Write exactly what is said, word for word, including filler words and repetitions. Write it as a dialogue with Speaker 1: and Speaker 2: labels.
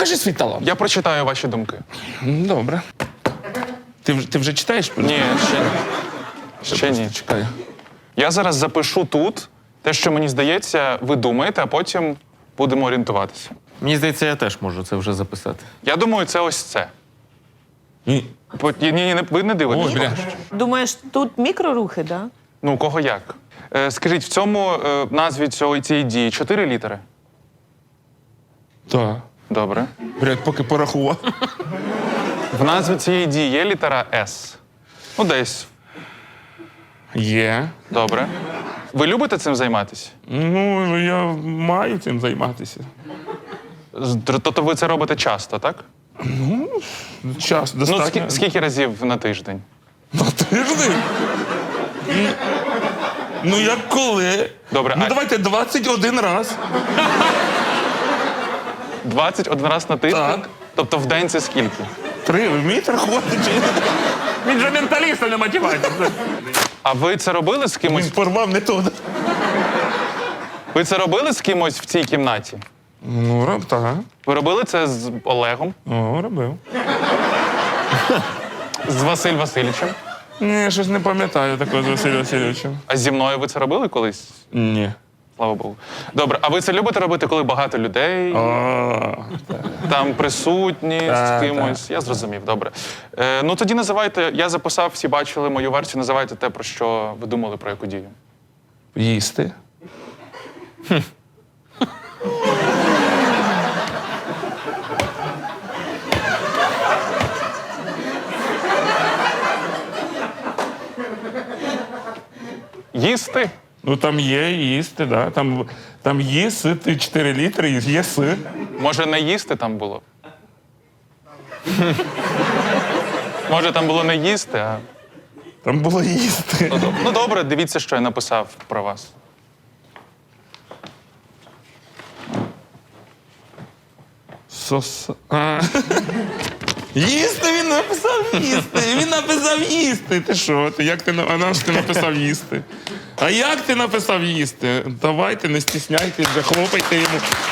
Speaker 1: покажи свій талант.
Speaker 2: Я прочитаю ваші думки.
Speaker 1: Добре. Ти, вже- ти вже читаєш?
Speaker 2: Ні, ще ні. Ще ні.
Speaker 1: Чекай.
Speaker 2: Я зараз запишу тут те, що мені здається, ви думаєте, а потім будемо орієнтуватися.
Speaker 3: Мені здається, я теж можу це вже записати.
Speaker 2: Я думаю, це ось це.
Speaker 1: Ні.
Speaker 2: По- Ні, ні, ні, ви не дивитесь.
Speaker 1: Ой, бля.
Speaker 4: Думаєш, тут мікрорухи, да?
Speaker 2: Ну, у кого як? Е, скажіть, в цьому е, назві цього, цієї дії чотири літери?
Speaker 1: Так.
Speaker 2: Добре.
Speaker 1: Блядь, поки порахував.
Speaker 2: В назві цієї дії є літера С? Ну, десь.
Speaker 1: Є.
Speaker 2: Добре. Ви любите цим займатися?
Speaker 1: Ну, я маю цим займатися.
Speaker 2: З- Тобто ви це робите часто, так?
Speaker 1: Час
Speaker 2: Ну,
Speaker 1: достатньо.
Speaker 2: скі- скільки разів на тиждень?
Speaker 1: На тиждень? Ну, Ну, як коли?
Speaker 2: Добре,
Speaker 1: Ну,
Speaker 2: а-
Speaker 1: давайте двадцять один раз.
Speaker 2: двадцять один раз на тиждень?
Speaker 1: Так.
Speaker 2: Тобто в день це скільки?
Speaker 1: Три, ви вмієте рахувати? чи ні?
Speaker 3: Він же менталіст, а не математик.
Speaker 2: А ви це робили з кимось?
Speaker 1: Він порвав не то.
Speaker 2: Ви це робили з кимось в цій кімнаті?
Speaker 1: Ну, роб, так.
Speaker 2: Ви робили це з Олегом,
Speaker 1: О, робив.
Speaker 2: з Василь Васильовичем?
Speaker 1: Ні, щось не пам'ятаю такого з Василем Васильовичем.
Speaker 2: А зі мною ви це робили колись?
Speaker 1: Ні.
Speaker 2: Слава Богу. Добре, а ви це любите робити, коли багато людей,
Speaker 1: О,
Speaker 2: там присутні
Speaker 1: Так,
Speaker 2: з кимось? Я зрозумів, добре. Е, ну тоді називайте, я записав, всі бачили мою версію, називайте те, про що ви думали, про яку дію.
Speaker 1: їсти.
Speaker 2: Їсти?
Speaker 1: Ну, там є їсти, да. Там, там їсти чотири літри, і є си.
Speaker 2: Може, не їсти там було? Може, там було не їсти, а.
Speaker 1: Там було їсти.
Speaker 2: Ну, доб- ну добре, дивіться, що я написав про вас.
Speaker 1: Сос... А. Їсти він написав їсти. Він написав їсти. Ти що? Ти як ти на- а наш ти написав їсти? А як ти написав їсти? Давайте, не стісняйтесь, вже хлопайте йому.